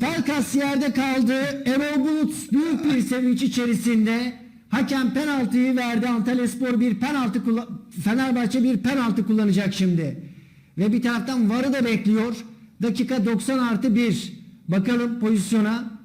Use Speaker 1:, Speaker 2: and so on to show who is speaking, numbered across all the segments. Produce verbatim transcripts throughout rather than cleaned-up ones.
Speaker 1: Pelkas yerde kaldı. Erol Bulut büyük bir sevinç içerisinde. Hakem penaltıyı verdi. Antalyaspor bir penaltı kullan- Fenerbahçe bir penaltı kullanacak şimdi. Ve bir taraftan V A R'ı da bekliyor. Dakika doksan artı bir. Bakalım pozisyona.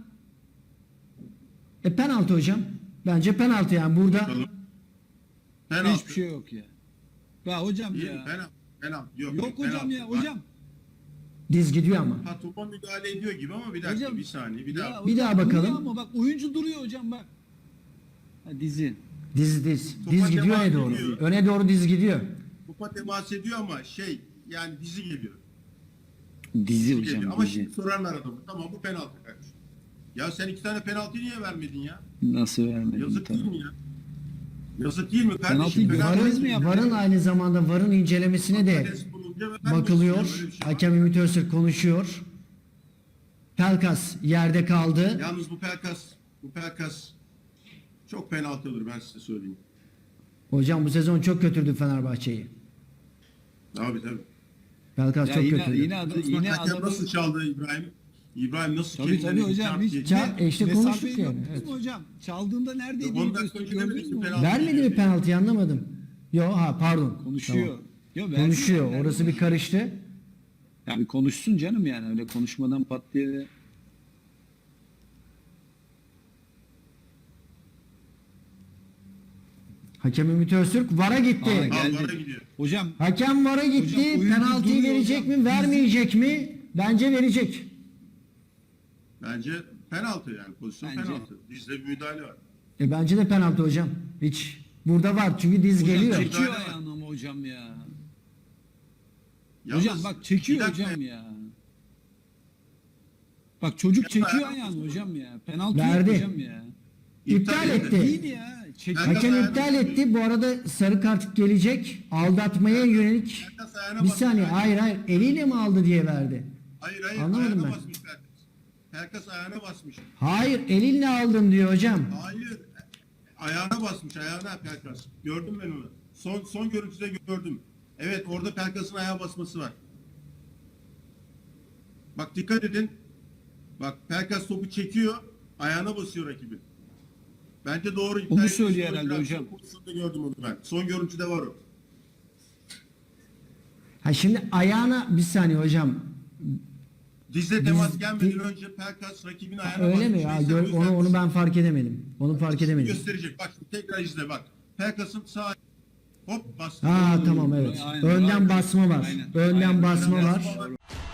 Speaker 1: E penaltı hocam. Bence penaltı yani burada.
Speaker 2: Penaltı.
Speaker 3: Hiçbir şey yok ya. Ya hocam
Speaker 2: Değil,
Speaker 3: ya.
Speaker 2: penaltı. Penaltı. Yok,
Speaker 3: Yok
Speaker 2: yok,
Speaker 3: hocam
Speaker 2: penaltı.
Speaker 3: ya
Speaker 2: Bak,
Speaker 3: hocam.
Speaker 1: Diz gidiyor ama.
Speaker 2: Ha, topa müdahale ediyor gibi ama bir dakika
Speaker 3: Hocam,
Speaker 2: bir saniye bir daha.
Speaker 3: Ya
Speaker 1: Bir
Speaker 3: hocam
Speaker 1: daha bakalım.
Speaker 3: duruyor Ama bak oyuncu duruyor hocam bak. Ha, dizi.
Speaker 1: Diz diz.
Speaker 2: Topa
Speaker 1: Diz gidiyor
Speaker 2: temas
Speaker 1: öne doğru.
Speaker 2: ediyor.
Speaker 1: Öne doğru diz gidiyor.
Speaker 2: Topa temas ediyor ama şey yani dizi geliyor.
Speaker 3: Dizi
Speaker 2: Dizi
Speaker 3: hocam
Speaker 2: geliyor. Ama
Speaker 3: dizi.
Speaker 2: şimdi sorarlar adamı. Tamam bu penaltı kardeşim. Ya sen iki tane penaltı niye vermedin ya?
Speaker 3: Nasıl vermedin?
Speaker 2: Yazık değil
Speaker 3: tabii.
Speaker 2: mi ya? Yazık değil mi
Speaker 3: Penaltıyı
Speaker 2: kardeşim?
Speaker 3: gördünüz
Speaker 2: Penaltı-
Speaker 3: mü ya?
Speaker 1: Varın, varın aynı zamanda varın incelemesine de
Speaker 2: Adres bulunca ve ben
Speaker 1: bakılıyor.
Speaker 2: basıyorum, öyle bir şey var.
Speaker 1: Hakem Ümit Öztürk konuşuyor. Pelkas yerde kaldı.
Speaker 2: Yalnız bu Pelkas, bu Pelkas çok penaltı olur ben size söyleyeyim.
Speaker 1: Hocam bu sezon çok kötürdü Fenerbahçe'yi.
Speaker 2: Abi tabii.
Speaker 1: Pelkas
Speaker 3: Ya
Speaker 1: çok
Speaker 3: yine,
Speaker 1: kötürdü.
Speaker 3: yine, adı,
Speaker 2: Bak,
Speaker 3: yine
Speaker 2: hakem
Speaker 3: adamı...
Speaker 2: nasıl çaldı İbrahim? İbrahim nasıl
Speaker 3: Tabii
Speaker 2: kendine
Speaker 3: tabii
Speaker 2: bir
Speaker 3: hocam.
Speaker 2: çarp
Speaker 3: Hiç,
Speaker 2: yedi?
Speaker 1: Ça- e işte
Speaker 3: mesafeyi
Speaker 1: konuştuk yani,
Speaker 3: gördünüz
Speaker 1: evet.
Speaker 3: mü hocam? Çaldığında neredeydi?
Speaker 2: on dakika önce
Speaker 3: Gördünüz
Speaker 2: demedik
Speaker 3: mü
Speaker 2: mi
Speaker 3: hocam?
Speaker 2: penaltı?
Speaker 1: Vermedi mi penaltıyı anlamadım. Yo ha pardon.
Speaker 3: Konuşuyor.
Speaker 1: Tamam.
Speaker 3: Yo, verdi,
Speaker 1: Konuşuyor.
Speaker 3: verdi.
Speaker 1: Orası bir karıştı.
Speaker 3: Ya bir konuşsun canım yani öyle konuşmadan pat diye de.
Speaker 1: Hakem Ümit Öztürk V A R'a gitti.
Speaker 3: Aa,
Speaker 2: Al,
Speaker 3: geldi.
Speaker 2: vara gidiyor.
Speaker 3: Hocam
Speaker 1: Hakem V A R'a gitti.
Speaker 3: Hocam, oyuncu
Speaker 1: Penaltıyı
Speaker 3: duruyor
Speaker 1: verecek
Speaker 3: hocam.
Speaker 1: mi, vermeyecek mi? Bence verecek.
Speaker 2: Bence penaltı yani pozisyon
Speaker 3: Bence.
Speaker 2: penaltı. Dizde bir müdahale var.
Speaker 1: E bence de penaltı hocam. Hiç. Burada var çünkü diz
Speaker 3: hocam
Speaker 1: geliyor.
Speaker 3: çekiyor
Speaker 2: Müdahale var.
Speaker 3: ayağını ama hocam ya.
Speaker 2: Yalnız,
Speaker 3: hocam bak çekiyor
Speaker 2: bir dakika,
Speaker 3: hocam ya. Bak çocuk
Speaker 2: Ya,
Speaker 3: çekiyor
Speaker 2: ayağını
Speaker 3: ayağını
Speaker 2: basıyor.
Speaker 3: hocam ya. Penaltı
Speaker 1: Verdi.
Speaker 3: yok hocam ya.
Speaker 1: İptal etti.
Speaker 3: Değil ya. Çekiyor.
Speaker 2: Ben-
Speaker 1: Hakem
Speaker 2: ayağını
Speaker 1: iptal
Speaker 2: basıyor.
Speaker 1: etti. Bu arada sarı kart gelecek. Aldatmaya yönelik.
Speaker 2: Pelkas ayağına
Speaker 1: Bir
Speaker 2: basmış.
Speaker 1: saniye. Hayır hayır. Eliyle mi aldı diye verdi.
Speaker 2: Hayır hayır
Speaker 1: Anlamadım
Speaker 2: ayağına
Speaker 1: ben.
Speaker 2: basmış Pelkas. Pelkas ayağına basmış.
Speaker 1: Hayır. Elinle aldım diyor hocam.
Speaker 2: Hayır. Ayağına basmış ayağına Pelkas. Gördüm ben onu. Son son görüntüde gördüm. Evet orada Pelkas'ın ayağa basması var. Bak dikkat edin. Bak Pelkas topu çekiyor. Ayağına basıyor rakibi. Bence doğru. iptal
Speaker 3: Onu
Speaker 2: etmiş
Speaker 3: söylüyor
Speaker 2: olabilir.
Speaker 3: herhalde
Speaker 2: Son
Speaker 3: hocam.
Speaker 2: pozisyonda gördüm onu ben. Son görüntüde var o.
Speaker 1: Ha şimdi ayağına bir saniye hocam.
Speaker 2: Dizle temas
Speaker 1: Diz-
Speaker 2: gelmeden
Speaker 1: di-
Speaker 2: önce Pelkas rakibin ayağına
Speaker 1: Öyle
Speaker 2: basmış.
Speaker 1: mi ya?
Speaker 2: Neyse,
Speaker 1: Gör-
Speaker 2: o yüzden
Speaker 1: onu onu ben fark edemedim. Onu fark edemedim.
Speaker 2: gösterecek. Bak şimdi tekrar izle bak. Pelkas'ın sağ hop bastı.
Speaker 1: Ha tamam evet.
Speaker 3: Aynen.
Speaker 1: Önden
Speaker 3: Aynen.
Speaker 1: basma var.
Speaker 3: Aynen.
Speaker 1: Önden
Speaker 3: Aynen.
Speaker 1: basma
Speaker 2: Önden
Speaker 1: var.
Speaker 2: basma var.